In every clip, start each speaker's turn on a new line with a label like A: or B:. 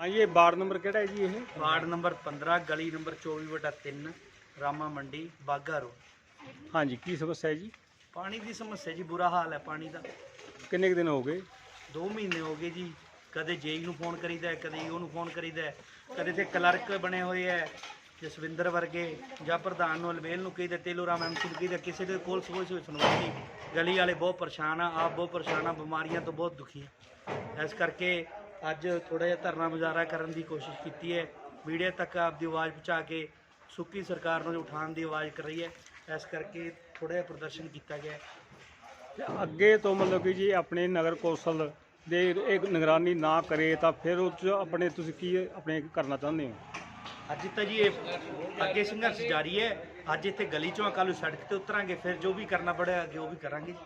A: हाँ ये ward number केड़ा है जी ये?
B: वार्ड नंबर 15 गली नंबर 24/3 रामा मंडी बाघा रोड।
A: हाँ जी की समस्या है जी?
B: पानी की समस्या जी बुरा हाल है पानी का।
A: किन्ने कुछ दिन हो गए?
B: 2 महीने हो गए जी। कदे जेई ਨੂੰ ਫੋਨ ਕਰੀਦਾ ਹੈ, ਕਦੇ ਉਹਨੂੰ ਫੋਨ ਕਰੀਦਾ ਹੈ, ਕਦੇ ਤੇ ਕਲਰਕ ਬਣੇ ਹੋਏ ਹੈ ਜਸਵਿੰਦਰ ਵਰਗੇ ਜਾਂ ਪ੍ਰਧਾਨ ਨੂੰ ਅਲਮੇਲ ਨੂੰ ਕਹੀਦਾ, ਤੇਲੂ ਰਾਮ ਐਮਸੀ ਨੂੰ ਕਹੀਦਾ, ਕਿਸੇ ਦੇ ਕੋਲ ਕੋਈ ਸੁਣਵਾਈ ਨਹੀਂ। ਗਲੀ ਵਾਲੇ ਬਹੁਤ ਪਰੇਸ਼ਾਨ ਆ, ਆਪ ਬਹੁਤ ਪਰੇਸ਼ਾਨ ਆ, ਬਿਮਾਰੀਆਂ ਤੋਂ ਬਹੁਤ ਦੁਖੀ ਆ। ਇਸ ਕਰਕੇ ਅੱਜ ਥੋੜਾ ਜਿਹਾ ਧਰਨਾ ਮੁਜ਼ਾਹਰਾ ਕਰਨ ਦੀ ਕੋਸ਼ਿਸ਼ ਕੀਤੀ ਹੈ। ਮੀਡੀਆ ਤੱਕ ਆਪਦੀ ਆਵਾਜ਼ ਪਹੁੰਚਾ ਕੇ ਸੁੱਕੀ ਸਰਕਾਰ ਨੂੰ ਉਠਾਉਣ ਦੀ ਆਵਾਜ਼ ਕਰ ਰਹੀ ਹੈ। ਇਸ ਕਰਕੇ ਥੋੜਾ ਜਿਹਾ ਪ੍ਰਦਰਸ਼ਨ ਕੀਤਾ ਗਿਆ।
A: ਅੱਗੇ ਤੋਂ ਮਤਲਬ ਕਿ ਜੀ ਆਪਣੇ ਨਗਰ ਕੌਂਸਲ ਦੇ ਇੱਕ ਨਿਗਰਾਨੀ ਨਾ ਕਰੇ ਤਾਂ ਫਿਰ ਉਹ 'ਚ ਆਪਣੇ ਤੁਸੀਂ ਕੀ ਆਪਣੇ ਕਰਨਾ ਚਾਹੁੰਦੇ ਹੋ?
B: ਅੱਜ ਤਾਂ ਜੀ ਇਹ ਅੱਗੇ ਸੰਘਰਸ਼ ਜਾਰੀ ਹੈ। ਅੱਜ ਇੱਥੇ ਗਲੀ ਚੋਂ ਕੱਲ੍ਹ ਨੂੰ ਸੜਕ ਤੇ ਉਤਰਾਂਗੇ, ਫਿਰ ਜੋ ਵੀ ਕਰਨਾ ਪੜਿਆ ਅੱਗੇ ਉਹ ਵੀ ਕਰਾਂਗੇ।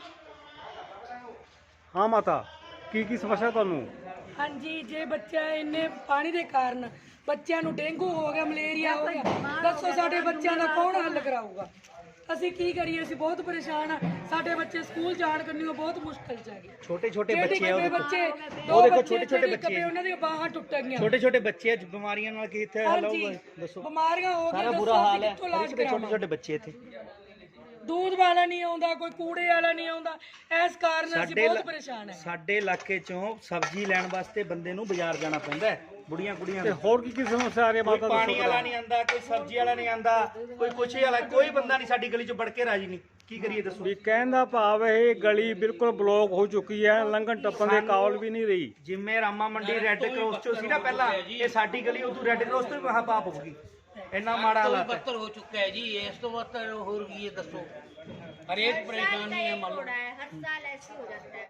A: ਹਾਂ ਮਾਤਾ ਕੀ ਸਮੱਸਿਆ ਤੁਹਾਨੂੰ?
C: ਹਾਂਜੀ, ਜੇ ਬੱਚਾ ਇੰਨੇ ਪਾਣੀ ਦੇ ਕਾਰਨ ਬੱਚਿਆਂ ਨੂੰ ਡੇਂਗੂ ਹੋ ਗਿਆ, ਮਲੇਰੀਆ ਹੋ ਗਿਆ, ਦੱਸੋ ਸਾਡੇ ਬੱਚਿਆਂ ਦਾ ਕੌਣ ਹੱਲ ਕਰਾਊਗਾ? ਅਸੀਂ ਕੀ ਕਰੀਏ? ਅਸੀਂ ਬਹੁਤ ਪਰੇਸ਼ਾਨ ਆ। ਸਾਡੇ ਬੱਚੇ ਸਕੂਲ ਜਾਣ ਕਰਨੀ ਬਹੁਤ ਮੁਸ਼ਕਲ ਚ ਹੈਗੇ।
B: ਛੋਟੇ ਛੋਟੇ ਬੱਚੇ ਆ,
C: ਉਹ ਦੇਖੋ
B: ਛੋਟੇ ਛੋਟੇ ਬੱਚੇ,
C: ਉਹਨਾਂ ਦੀਆਂ ਬਾਹਾਂ ਟੁੱਟ ਗਈਆਂ।
B: ਛੋਟੇ ਛੋਟੇ ਬੱਚੇ ਆ, ਬਿਮਾਰੀਆਂ ਨਾਲ ਕਿੱਥੇ ਹੱਲ ਹੋਊਗਾ ਦੱਸੋ?
C: ਬਿਮਾਰੀਆਂ ਹੋ ਗਈਆਂ,
B: ਸਾਰਾ ਬੁਰਾ ਹਾਲ ਹੈ। ਛੋਟੇ ਛੋਟੇ ਬੱਚੇ ਇੱਥੇ
C: दूध वाला नहीं आउंदा, कोई कूड़े वाला नहीं आउंदा। इस कारण ਅਸੀਂ ਬਹੁਤ ਪਰੇਸ਼ਾਨ ਹੈ।
B: ਸਾਡੇ ਇਲਾਕੇ ਚੋਂ ਸਬਜ਼ੀ ਲੈਣ ਵਾਸਤੇ ਬੰਦੇ ਨੂੰ ਬਾਜ਼ਾਰ ਜਾਣਾ ਪੈਂਦਾ ਹੈ। ਬੁੜੀਆਂ ਕੁੜੀਆਂ
A: ਤੇ ਹੋਰ ਕੀ ਸਮੱਸਿਆ ਆ ਰਹੀ ਹੈ ਮਾਤਾ?
B: ਪਾਣੀ ਵਾਲਾ ਨਹੀਂ ਆਂਦਾ, ਕੋਈ ਸਬਜ਼ੀ ਵਾਲਾ ਨਹੀਂ ਆਂਦਾ, ਕੋਈ ਕੁਛ ਵਾਲਾ, ਕੋਈ ਬੰਦਾ ਨਹੀਂ ਸਾਡੀ ਗਲੀ 'ਚ ਵੜ ਕੇ ਰਾਜੀ ਨਹੀਂ। ਕੀ ਕਰੀਏ ਦੱਸੋ?
A: ਵੀ ਕਹਿਣ ਦਾ ਭਾਵ ਇਹ ਗਲੀ ਬਿਲਕੁਲ ਬਲੌਕ ਹੋ ਚੁੱਕੀ ਹੈ, ਲੰਘਣ ਟੱਪਣ ਦੇ ਕਾਬਲ ਵੀ ਨਹੀਂ ਰਹੀ।
B: ਜਿਵੇਂ ਰਾਮਾ ਮੰਡੀ ਰੈੱਡ ਕ੍ਰੋਸ ਚੋਂ ਸੀ ਨਾ ਪਹਿਲਾਂ, ਇਹ ਸਾਡੀ ਗਲੀ ਉਦੋਂ ਰੈੱਡ ਕ੍ਰੋਸ ਤੋਂ ਵੀ ਮਹਾ ਪਾਪ ਹੋ ਗਈ। ਇੰਨਾ ਮਾੜਾ ਹਾਲਾਤ ਹੈ।
D: ਬੱਤਰ ਹੋ ਚੁੱਕਾ ਹੈ ਜੀ। ਇਸ ਤੋਂ ਬੱਤਰ ਹੋਰ ਕੀ ਹੈ ਦੱਸੋ? ਹਰੇਕ ਪਰੇਸ਼ਾਨੀ ਹੈ। ਮੰਨ ਲਓ
E: हर साल ऐसे हो जाता है।